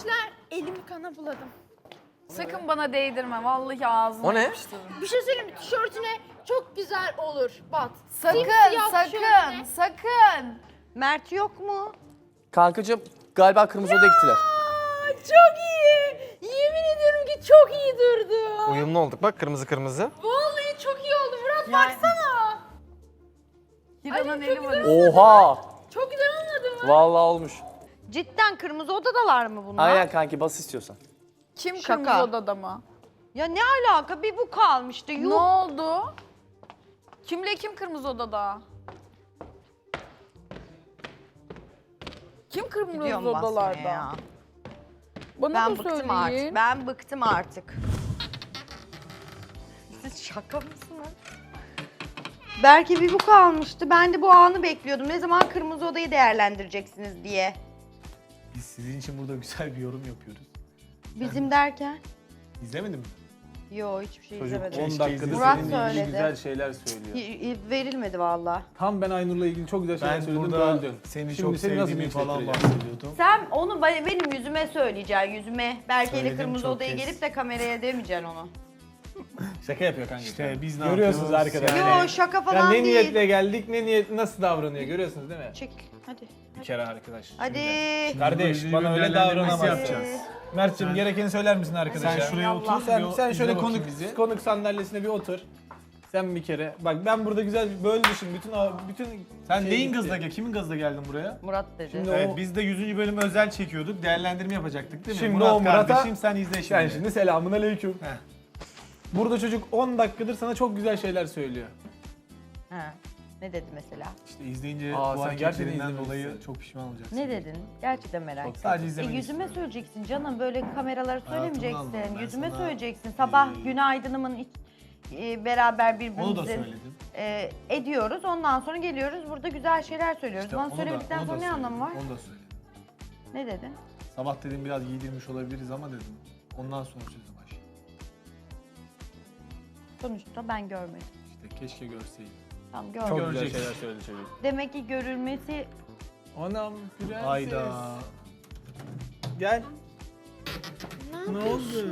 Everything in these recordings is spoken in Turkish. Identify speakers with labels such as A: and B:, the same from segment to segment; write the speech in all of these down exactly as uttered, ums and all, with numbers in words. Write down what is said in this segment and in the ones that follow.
A: Gençler elimi kana buladım.
B: Sakın bana değdirme. Vallahi ağzına
C: O ne?
B: yapıştırırım.
A: Bir şey söyleyeyim mi? Tişörtüne çok güzel olur. Bat.
B: Sakın,
A: Simsiyah
B: sakın,
A: tişörtüne.
B: sakın.
D: Mert yok mu?
C: Kankacığım galiba kırmızı odaya gittiler.
A: Aa, çok iyi. Yemin ediyorum ki çok iyi durdu.
C: Uyumlu olduk bak kırmızı kırmızı.
A: Vallahi çok iyi oldu. Murat
B: Yani-
A: baksana.
B: Hira'nın
A: Ay,
B: eli
A: çok
B: var.
C: Oha!
A: Çok güzel olmadı mı?
C: Vallahi olmuş.
D: Cidden kırmızı odadalar mı bunlar?
C: Aynen kanki bas istiyorsan.
B: Kim
D: Şaka.
B: kırmızı odada mı?
D: Ya ne alaka? Bir bu kalmıştı.
B: Ne
D: Yuh.
B: oldu? Kimle kim kırmızı odada? Kim kırmızı
D: Gidiyorum basmaya
B: odalarda?
D: ya.
B: Bana
D: Ben
B: da
D: bıktım
B: söyleyin.
D: artık. Ben bıktım artık. Siz şaka mısınız? Belki bir bu kalmıştı. Ben de bu anı bekliyordum. Ne zaman kırmızı odayı değerlendireceksiniz diye.
E: Biz sizin için burada güzel bir yorum yapıyoruz.
D: Bizim derken?
E: İzlemedin mi?
D: Yo hiçbir şey
E: Çocuk
D: izlemedim.
E: on dakikadır
D: Murat
E: seninle ilgili
D: söyledi.
E: güzel şeyler söylüyor.
D: Y- y- Verilmedi valla.
E: Tam ben Aynur'la ilgili çok güzel şeyler
F: Ben
E: söyledim,
F: burada
E: böldün.
F: seni
E: Şimdi
F: çok
E: seni nasıl
F: sevdiğimi falan
E: linçlettireceğim?
F: bahsediyordum.
D: Sen onu ba- benim yüzüme söyleyeceksin, yüzüme. Belki ile
F: Söyledim
D: kırmızı
F: çok
D: odaya
F: kez.
D: gelip de kameraya demeyeceksin onu.
E: Şaka yapıyor kanka.
F: İşte biz ne
E: Görüyorsunuz
F: yapıyoruz?
E: arkadaşlar.
D: Yo şaka
E: Ya
D: falan
E: ne
D: değil.
E: niyetle geldik, ne niyet nasıl davranıyor görüyorsunuz değil mi?
D: Çekil hadi.
E: Bir kere arkadaş.
D: Hadi.
E: Kardeş bana öyle
F: değerlendirmesi
E: davranamazsın.
F: yapacağız.
E: Mert'cim gerekeni söyler misin arkadaşa?
F: Sen şuraya
D: Allah.
F: otur.
E: Sen,
F: bir o-
E: sen
F: izle
E: şöyle
F: bakayım
E: konuk
F: bizi.
E: konuk sandalyesine bir otur. Sen bir kere. Bak ben burada güzel bir böldüşüm. Bütün o- bütün
F: Sen
E: şey
F: neyin
E: gitti.
F: gazla gel? Kimin gazla geldin buraya?
D: Murat dedi.
E: Şimdi
F: Evet
E: o-
F: biz de yüzüncü bölümü özel çekiyorduk. Değerlendirme yapacaktık değil mi?
E: Şimdi
F: Murat
E: o Murat'a-
F: kardeşim sen izle şimdi.
E: Sen şimdi selamun aleyküm.
F: Heh.
E: Burada çocuk on dakikadır sana çok güzel şeyler söylüyor.
D: Ha. Ne dedi mesela?
F: İşte izleyince
E: Aa,
F: bu
E: sen gerçekten
F: hareketlerinden
E: izlememişsin.
F: dolayı çok pişman olacaksın.
D: Ne dedin? Gerçekten merak ettim.
F: Sadece
D: E,
F: izlemeni
D: yüzüme
F: istiyorum.
D: söyleyeceksin canım. Böyle kameralara
F: Hayatımdan
D: söylemeyeceksin.
F: aldım. Ben
D: Yüzüme
F: sana,
D: söyleyeceksin. Sabah
F: e,
D: günaydınımın iç- e, beraber
F: Onu da
D: birbirimizin
F: söyledim.
D: e, ediyoruz. Ondan sonra geliyoruz. Burada güzel şeyler söylüyoruz.
F: İşte
D: Bana
F: onu da-
D: söylemedikten
F: onu da
D: sonra ne
F: söyledim.
D: anlamı var?
F: Onu da söyledim.
D: Ne dedin?
F: Sabah dedim biraz giydirmiş olabiliriz ama dedim. Ondan sonra sözü baş.
D: Sonuçta ben görmedim.
F: İşte keşke görseydin.
D: Tam
E: Çok
D: görmedim.
E: güzel
F: Göreceksin.
E: şeyler söyledi çocuk.
D: Demek ki görülmesi
E: Anam prenses.
F: Hayda.
E: Gel.
A: Ne,
E: Ne oldu?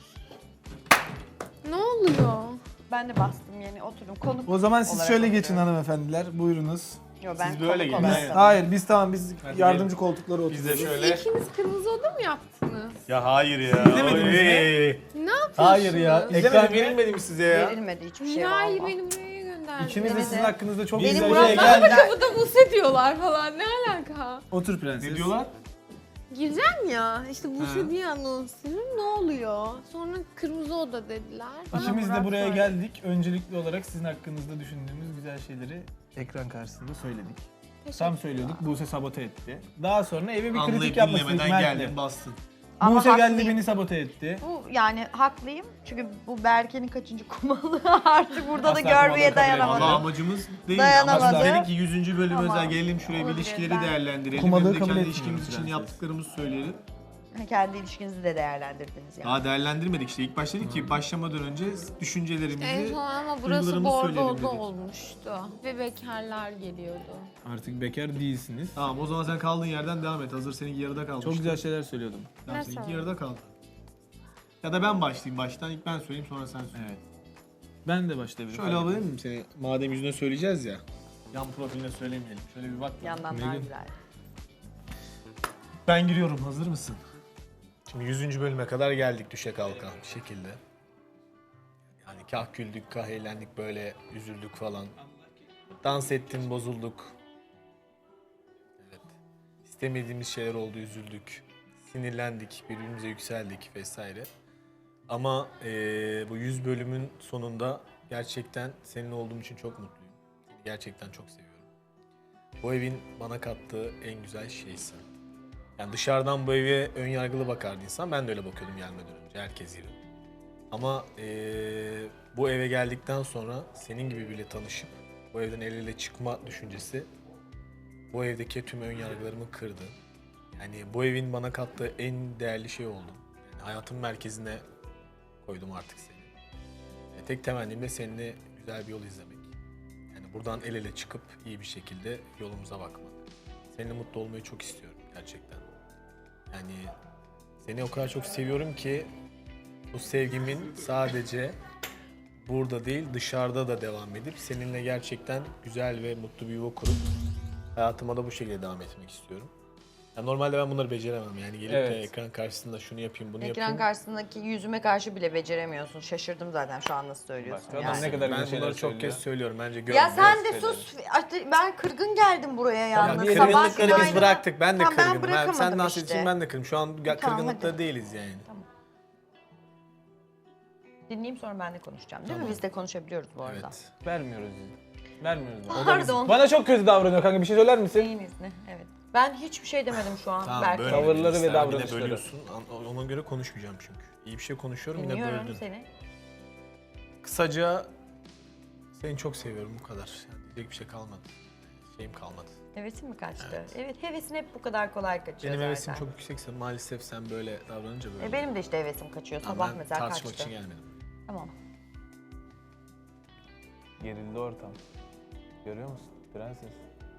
A: Ne oluyor?
D: ben de bastım yeni oturum. Konuk
E: O zaman siz
D: olarak
E: şöyle
D: oturuyorum.
E: geçin hanımefendiler. Buyurunuz.
D: Yo, ben
F: Siz böyle
D: konuk
F: gelin,
D: olarak
F: aynen.
D: da-
E: Hayır biz tamam biz
F: Hadi
E: yardımcı koltuklara oturuyoruz.
F: Biz de şöyle.
A: İkiniz kırmızı oda mı yaptınız?
F: Ya hayır ya.
E: İzlemediniz mi?
F: Oy.
A: Ne yapıyorsunuz?
E: Hayır ya.
F: Ekran
E: İzlemedim mi?
F: verilmedi mi size ya?
D: Verilmedi hiçbir şey
A: Hayır
D: valla.
A: beni buraya gönderdiniz.
E: İkiniz de
D: Beni
E: sizin
D: de-
E: hakkınızda çok
D: Benim
E: güzel
D: Murat'la
E: şey
D: da
E: geldi.
A: Kapıda Buse diyorlar falan. Ne alaka?
E: Otur prenses.
F: Ne diyorlar?
A: Gireceğim ya. İşte
F: Ha.
A: Buse diye anons ediyorum. Ne oluyor? Sonra kırmızı oda dediler.
D: Bana
E: İkimiz de
D: Murat
E: buraya
D: söyledi.
E: geldik. Öncelikli olarak sizin hakkınızda düşündüğümüz güzel şeyleri ekran karşısında söyledik. Tam söylüyorduk. Buse sabote etti. Daha sonra eve bir kritik
F: Anlayıp
E: yapmak istedik
F: dinlemeden
E: Mert'le.
F: geldin bastın.
D: Ama
E: Buse geldi
D: haklıyım.
E: beni sabote etti.
D: Bu yani haklıyım. Çünkü bu Berke'nin kaçıncı kumalı artık burada da
E: Asla
D: görmeye
E: kumaları kabul
D: dayanamadım.
F: Valla amacımız değil.
D: Dayanamadı.
F: Amacımız dedik ki yüzüncü bölüm
D: Tamam.
F: özel gelelim şuraya bir
D: Olabilir,
F: ilişkileri
D: ben-
F: değerlendirelim.
E: Kumalığı
F: Hem de
E: kabul
F: kendi
E: etmiyorum
F: ilişkimiz için
E: prenses.
F: yaptıklarımızı söyleyelim.
D: Kendi ilişkinizi de değerlendirdiniz yani.
F: Daha değerlendirmedik işte. İlk başta dedik ki başlamadan önce düşüncelerimizi,
A: En son ama burası
F: duygularımızı
A: bordo
F: söyleyelim
A: oda
F: dedik.
A: olmuştu. Ve bekarlar geliyordu.
E: Artık bekar değilsiniz.
F: Tamam o zaman sen kaldığın yerden devam et. Hazır seninki yarıda kalmış.
E: Çok güzel şeyler söylüyordum.
F: Tamam,
A: Nasıl?
F: seninki yarıda kaldı. Ya da ben başlayayım baştan. İlk ben söyleyeyim sonra sen söyle.
E: Evet. Ben de başlayabilirim.
F: Şöyle alabilir miyim seni? Madem yüzüne söyleyeceğiz ya. Yan profiline söylemeyelim. Şöyle bir bak.
D: Yandan daha
F: Megan.
D: güzel.
F: Ben giriyorum. Hazır mısın? Şimdi yüzüncü bölüme kadar geldik düşe kalka bir şekilde. Yani kah güldük, kah eğlendik, böyle üzüldük falan. Dans ettin, bozulduk. Evet. İstemediğimiz şeyler oldu, üzüldük. Sinirlendik, birbirimize yükseldik vesaire. Ama eee, bu yüz bölümün sonunda gerçekten senin olduğum için çok mutluyum. Seni gerçekten çok seviyorum. Bu evin bana kattığı en güzel şeysin. Yani dışarıdan bu eve ön yargılı bakardı insan. Ben de öyle bakıyordum gelmeden önce. Herkes gibi. Ama eee, bu eve geldikten sonra senin gibi biriyle tanışıp bu evden el ele çıkma düşüncesi bu evdeki tüm ön yargılarımı kırdı. Yani bu evin bana kattığı en değerli şey oldu. Yani hayatın merkezine koydum artık seni. E, tek temennim de seninle güzel bir yol izlemek. Yani buradan el ele çıkıp iyi bir şekilde yolumuza bakmak. Seninle mutlu olmayı çok istiyorum gerçekten. Yani Seni o kadar çok seviyorum ki bu sevgimin sadece burada değil dışarıda da devam edip seninle gerçekten güzel ve mutlu bir yuva kurup hayatıma da bu şekilde devam etmek istiyorum. Yani normalde ben bunları beceremem yani gelip de
E: Evet.
F: ekran karşısında şunu yapayım bunu
D: Ekran
F: yapayım.
D: karşısındaki yüzüme karşı bile beceremiyorsun. Şaşırdım zaten şu an nasıl söylüyorsun
E: Bak, adam
D: yani.
E: ne kadar
F: Ben
E: güzel
F: bunları
E: şeyler
F: çok
E: söylüyor.
F: kez söylüyorum bence görün.
D: Ya sen de
E: Gösterelim.
D: sus. Artık ben kırgın geldim buraya
F: Ya
D: yalnız.
E: bir
D: Sabah
F: kırgınlıkları biz
D: günaydın.
F: bıraktık. Ben de
D: Tamam, ben
F: kırgınım. Ben
D: bırakamadım
F: sen dans
D: işte.
F: için ben de kırgınım. Şu an
D: Tamam,
F: kırgınlıkta
D: hadi.
F: değiliz yani.
D: Dinleyeyim sonra ben de konuşacağım. Değil mi? Biz de konuşabiliyoruz bu arada.
F: Evet.
E: Vermiyoruz izni. Vermiyoruz. O da
D: Pardon.
E: bizim- Bana çok kötü davranıyor kanka. Bir şey söyler misin?
D: Neyin izni? Evet. Ben hiçbir şey demedim şu an.
F: Tamam,
D: Berke.
F: böyle
E: Tavırları ve
F: Sen bir de
E: davranışları.
F: bölüyorsun. An- Ona göre konuşmayacağım çünkü. İyi bir şey konuşuyorum yine
D: Dinliyorum
F: böldün.
D: seni.
F: Kısaca seni çok seviyorum bu kadar. Yani diyecek bir şey kalmadı. Şeyim kalmadı.
D: Hevesin mi kaçtı? Evet. hevesin hep bu kadar kolay kaçıyor
F: Benim
D: zaten.
F: hevesim çok yüksekse maalesef sen böyle davranınca böyle.
D: E, benim de işte hevesim kaçıyor.
F: Ama
D: Sabah
F: ben
D: mesela
F: tartışmak
D: kaçtı.
F: için gelmedim.
D: Tamam.
E: Gerildi ortam. Görüyor musun? Prenses.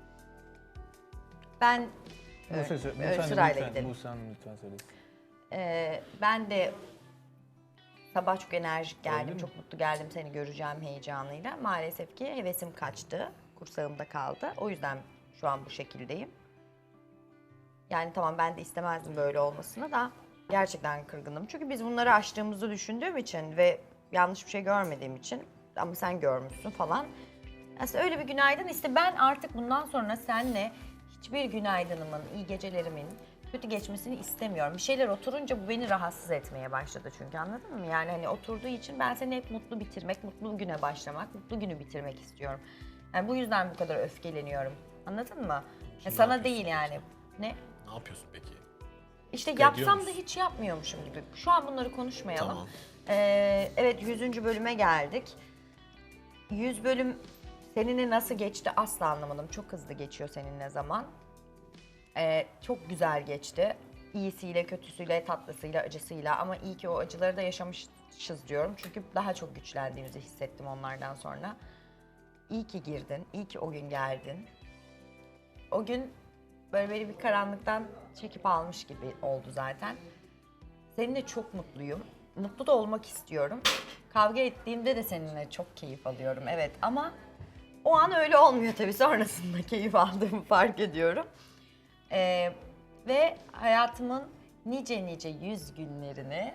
D: Ben
E: Buse, sö-
D: öyle
E: Buse
D: sırayla
E: lütfen,
D: gidelim.
E: Buse Hanım lütfen söylesin.
D: Ee, ben de sabah çok enerjik
E: Öyle
D: geldim,
E: mi?
D: çok mutlu geldim seni göreceğim heyecanıyla. Maalesef ki hevesim kaçtı, kursağımda kaldı. O yüzden şu an bu şekildeyim. Yani tamam ben de istemezdim böyle olmasını da gerçekten kırgınım. Çünkü biz bunları aştığımızı düşündüğüm için ve yanlış bir şey görmediğim için ama sen görmüşsün falan. Aslında öyle bir günaydın işte ben artık bundan sonra seninle hiçbir günaydınımın, iyi gecelerimin kötü geçmesini istemiyorum. Bir şeyler oturunca bu beni rahatsız etmeye başladı çünkü anladın mı? Yani hani oturduğu için ben seni hep mutlu bitirmek, mutlu güne başlamak, mutlu günü bitirmek istiyorum. Yani bu yüzden bu kadar öfkeleniyorum. Anladın mı? Ya sana değil yani. Ne?
F: Ne yapıyorsun peki?
D: İşte
F: Ediyor
D: yapsam da
F: musun?
D: hiç yapmıyormuşum gibi. Şu an bunları konuşmayalım.
F: Tamam.
D: Ee, evet yüzüncü bölüme geldik. yüz bölüm seninle nasıl geçti asla anlamadım. Çok hızlı geçiyor seninle zaman. Ee, çok güzel geçti. İyisiyle, kötüsüyle, tatlısıyla, acısıyla ama iyi ki o acıları da yaşamışız diyorum. Çünkü daha çok güçlendiğimizi hissettim onlardan sonra. İyi ki girdin, iyi ki o gün geldin. O gün böyle beni bir karanlıktan çekip almış gibi oldu zaten. Seninle çok mutluyum. Mutlu da olmak istiyorum. Kavga ettiğimde de seninle çok keyif alıyorum evet ama o an öyle olmuyor tabii sonrasında keyif aldığımı fark ediyorum. Ee, ve hayatımın nice nice yüz günlerini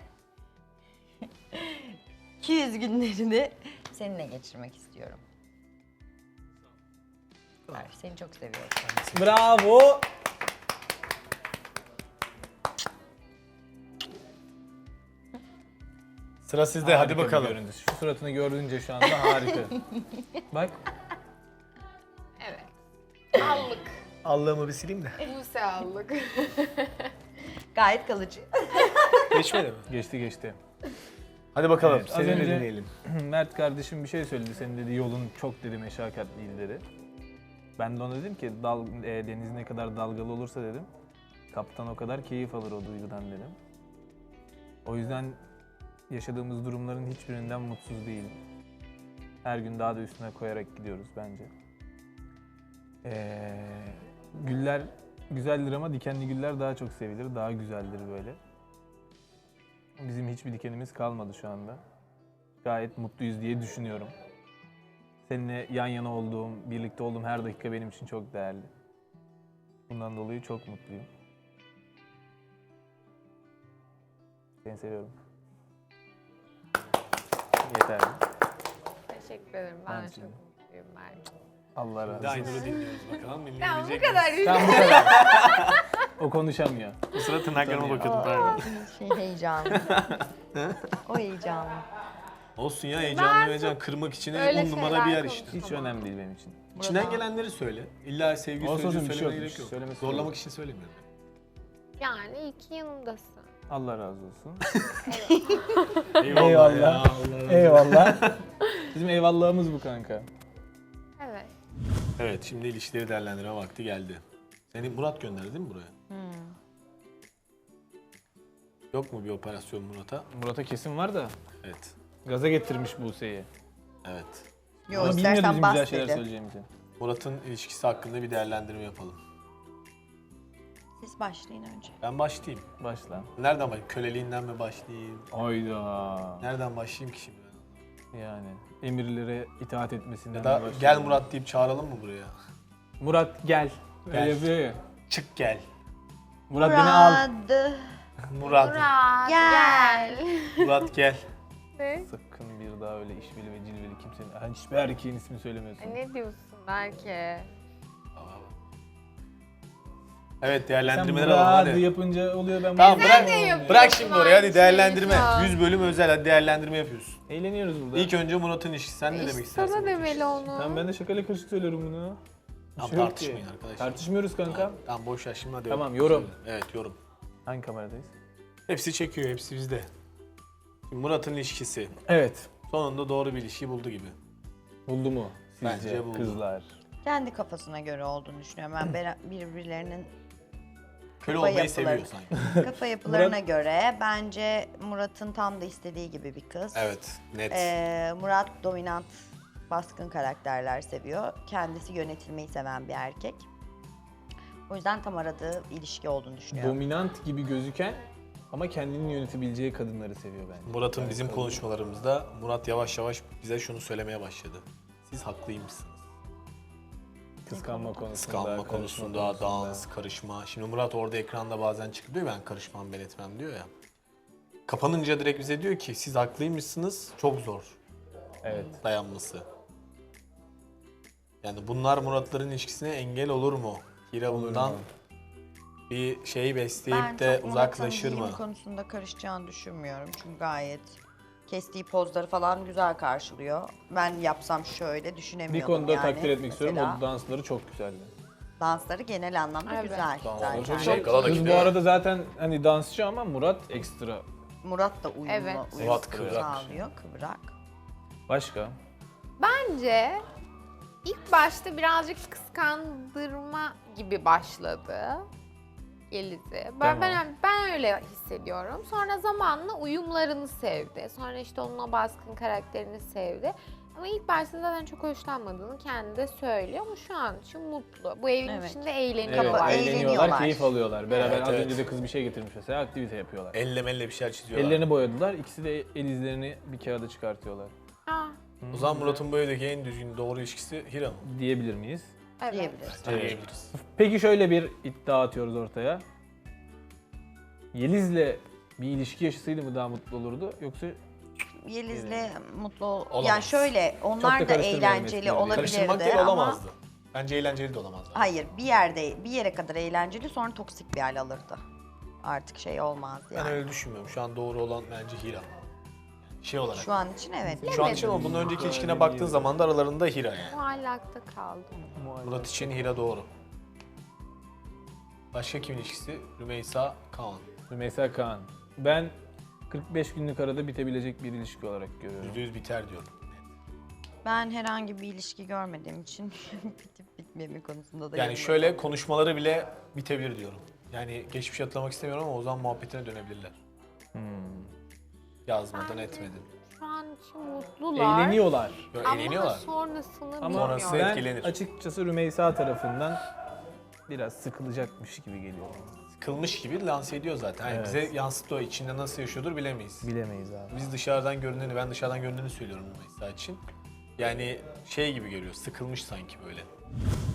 D: iki yüz günlerini seninle geçirmek istiyorum. Arif, seni çok seviyorum.
E: Bravo.
F: Sıra sizde hadi
E: Harika bir
F: bakalım.
E: görüntü. Şu suratını gördüğünce şu anda harika. Bak.
B: Evet. Allık.
F: Allah'ımı bir sileyim de.
B: Buse allık.
D: Gayet kalıcı.
F: Geçmedi mi?
E: Geçti geçti.
F: Hadi bakalım
E: Evet, az
F: seni de
E: önce-
F: dinleyelim.
E: Mert kardeşim bir şey söyledi. Senin dedi yolun çok dedi meşakkatliydi dedi. Ben de ona dedim ki dal, e, deniz ne kadar dalgalı olursa dedim. Kaptan o kadar keyif alır o duygudan dedim. O yüzden yaşadığımız durumların hiçbirinden mutsuz değilim. Her gün daha da üstüne koyarak gidiyoruz bence. Ee, güller güzeldir ama dikenli güller daha çok sevilir, daha güzeldir böyle. Bizim hiçbir dikenimiz kalmadı şu anda. Gayet mutluyuz diye düşünüyorum. Seninle yan yana olduğum, birlikte olduğum her dakika benim için çok değerli. Bundan dolayı çok mutluyum. Seni seviyorum. Yeterli.
B: Teşekkür ederim. Ben
E: Ben
B: de
E: size.
B: çok mutluyum Mert.
E: Allah razı olsun.
F: Aynur'u dinliyoruz bakalım.
B: Tamam bu
F: dinleyebilecek
B: kadar.
F: miyiz?
E: Tamam bu kadar. O konuşamıyor.
F: Bu sıra tırnaklarıma
E: Tabii.
F: bakıyordum pardon.
D: Şey heyecanlı. o heyecanlı.
F: Olsun ya heyecanlı heyecan kırmak için
B: öyle
F: on numara
B: şeyler
F: bir yer işte.
B: konuşamam.
E: Hiç önemli değil benim için.
F: İçinden gelenleri söyle. İlla sevgi
E: Olsun,
F: sözcüğü
E: olsun, bir şey
F: söylemene
E: yokmuş.
F: gerek yok.
E: Söylemesi
F: Zorlamak
E: yok.
F: için söylemiyorum.
B: Yani iyi ki yanımdasın.
E: Allah razı olsun.
F: Eyvallah.
E: Eyvallah.
F: Ya, Allah razı olsun.
E: Eyvallah. Bizim eyvallahımız bu kanka.
B: Evet.
F: Evet şimdi ilişkileri değerlendirme vakti geldi. Seni Murat gönderdi değil mi buraya? Yok mu bir operasyon Murat'a?
E: Murat'a kesin var da
F: Evet.
E: gaza getirmiş Buse'yi.
F: Evet.
D: Yo
E: Ama bilmiyordu
D: istersen
E: bizim
D: bas
E: güzel şeyler
D: dedi.
E: söyleyeceğimizi.
F: Murat'ın ilişkisi hakkında bir değerlendirme yapalım.
D: Sesim Siz başlayın önce.
F: Ben başlayayım.
E: Başla.
F: Nereden başlayayım? Köleliğinden mi başlayayım?
E: Hayda.
F: Nereden başlayayım ki şimdi ben?
E: Yani emirlere itaat etmesinden
F: Ya
E: de
F: da
E: başlayalım.
F: gel Murat deyip çağıralım mı buraya?
E: Murat gel.
F: Gel.
E: Öyle yapıyor ya.
F: Çık gel.
E: Murat beni al.
D: Murat.
F: Murat.
B: Murat
D: Gel.
F: Murat gel.
B: Ne?
E: Sakın bir daha öyle işveli ve cilveli kimsenin, yani hiçbir erkeğin ismini söylemiyorsun.
B: Ay, ne diyorsun belki?
F: Evet
E: Sen
F: değerlendirmeleri alalım
E: Murat
F: hadi.
E: yapınca oluyor ben
F: Tamam
E: Murat
F: bırak,
B: de yapıyorsun
F: bırak şimdi oraya
B: aynı
F: hadi değerlendirme.
B: şeyi şu an.
F: yüz bölüm özel hadi değerlendirme yapıyoruz.
E: Eğleniyoruz burada.
F: İlk önce Murat'ın ilişkisi. Sen ne
B: İşte
F: demek istersin?
B: sana
F: Murat'ın
B: demeli
F: ilişkisi?
B: onu.
E: Tamam ben de şakayla karışık söylüyorum bunu. Bir
F: Tamam
E: şey yok
F: tartışmayın
E: ki.
F: arkadaşlar.
E: Tartışmıyoruz kanka.
F: Tamam, tamam boş ver şimdi hadi.
E: Tamam, yorum.
F: Evet yorum.
E: Hangi kameradayız?
F: Hepsi çekiyor, hepsi bizde. Şimdi Murat'ın ilişkisi.
E: Evet.
F: Sonunda doğru bir ilişki buldu gibi.
E: Buldu mu sizce
F: Bence buldu.
E: kızlar?
D: Kendi kafasına göre olduğunu düşünüyorum. Ben bera- birbirlerinin
F: Köle
D: Kafa
F: olmayı
D: yapıları.
F: seviyor sanki.
D: kafa yapılarına göre bence Murat'ın tam da istediği gibi bir kız.
F: Evet, net.
D: Ee, Murat dominant, baskın karakterler seviyor. Kendisi yönetilmeyi seven bir erkek. O yüzden tam aradığı ilişki olduğunu düşünüyorum.
E: Dominant gibi gözüken ama kendini yönetebileceği kadınları seviyor bence.
F: Murat'ın bizim konuşmalarımızda Murat yavaş yavaş bize şunu söylemeye başladı. Siz haklıymışsınız.
E: Kıskanma konusunda,
F: Kıskanma
E: karışma
F: konusunda, dans, karışma. Şimdi Murat orada ekranda bazen çıkıp diyor ben karışmam, ben etmem diyor ya. Kapanınca direkt bize diyor ki siz haklıymışsınız, çok zor
E: Evet.
F: dayanması. Yani bunlar Muratların ilişkisine engel olur mu? Hira bundan
E: mu?
F: bir şey besleyip
D: Ben
F: de
D: çok
F: uzaklaşır
D: Murat'ın
F: mı?
D: giyim konusunda karışacağını düşünmüyorum. Çünkü gayet kestiği pozları falan güzel karşılıyor. Ben yapsam şöyle
E: Bir
D: düşünemiyordum
E: konuda
D: yani.
E: takdir etmek istiyorum.
D: Mesela
E: O dansları çok güzeldi.
D: dansları genel anlamda
B: Evet.
D: güzel
E: Dansları
D: zaten.
F: Şey, galadaki
E: Kız bu
F: de-
E: arada zaten hani dansçı ama Murat ekstra.
D: Murat da uyumlu,
B: Evet.
D: uyum
F: Murat kıvrak.
D: sağlıyor, kıvrak.
E: Başka?
B: Bence ilk başta birazcık kıskandırma gibi başladı Yeliz'i. Ben,
E: Tamam.
B: ben, ben öyle hissediyorum. Sonra zamanla uyumlarını sevdi. Sonra işte onun o baskın karakterini sevdi. Ama ilk başta zaten çok hoşlanmadığını kendi de söylüyor ama şu an için mutlu. Bu evin
D: Evet.
B: içinde
E: Evet,
B: eğleniyorlar.
D: eğleniyorlar.
E: eğleniyorlar, keyif alıyorlar. Beraber
F: Evet,
E: az
F: evet.
E: önce de kız bir şey getirmiş mesela, aktivite yapıyorlar.
F: Elle melle bir şeyler çiziyorlar.
E: Ellerini boyadılar, ikisi de el izlerini bir kağıda çıkartıyorlar.
B: Ah,
F: O zaman Murat'ın bu evdeki en düzgün doğru ilişkisi Hira mı?
E: Diyebilir miyiz?
B: evet.
D: Diyebiliriz.
F: Diyebiliriz.
E: Peki şöyle bir iddia atıyoruz ortaya. Yeliz'le bir ilişki yaşasaydı mı daha mutlu olurdu yoksa
D: Yeliz'le mutlu ol...
F: Olamaz.
D: Yani şöyle,
E: Çok
D: onlar
E: da
D: da
E: karıştırmayalım
D: eğlenceli
E: eskileri.
D: olabilirdi
F: Karıştırmak değil
D: ama...
F: olamazdı. Bence eğlenceli de olamazdı.
D: Hayır, bir yerde, bir yere kadar eğlenceli, sonra toksik bir hal alırdı. Artık şey olmaz
F: Ben
D: yani.
F: öyle düşünmüyorum. Şu an doğru olan bence Hira. Şey olarak.
D: Şu an için evet.
F: Şu an için ama bunun önceki ilişkine baktığın zaman da aralarında Hira yani.
B: Muallakta kaldım.
F: Murat için Hira doğru. Başka kimin ilişkisi? Rümeysa, Kaan.
E: Rümeysa Kaan? Ben kırk beş günlük arada bitebilecek bir ilişki olarak görüyorum.
F: Yüzde yüz biter diyorum.
D: Ben herhangi bir ilişki görmediğim için bitip bitmeme konusunda da
F: Yani
D: yorum
F: şöyle konuşmaları bile bitebilir diyorum. Yani geçmişi hatırlamak istemiyorum ama o zaman muhabbetine dönebilirler.
E: Hmm.
F: Yazmadan etmedin.
B: Şu an için mutlular.
E: Eğleniyorlar.
F: Böyle
B: Ama
F: eğleniyorlar.
B: sonrasını
E: Ama
B: bilmiyorum.
F: Sonrası-
E: ben
F: etkilenir.
E: açıkçası Rümeysa tarafından biraz sıkılacakmış gibi geliyor.
F: Kılmış gibi lanse ediyor zaten. Yani
E: Evet.
F: bize yansıtıyor. İçinde nasıl yaşıyordur bilemeyiz.
E: Bilemeyiz abi.
F: Biz dışarıdan görüneni, ben dışarıdan görüneni söylüyorum Rümeysa için. Yani şey gibi geliyor, sıkılmış sanki böyle.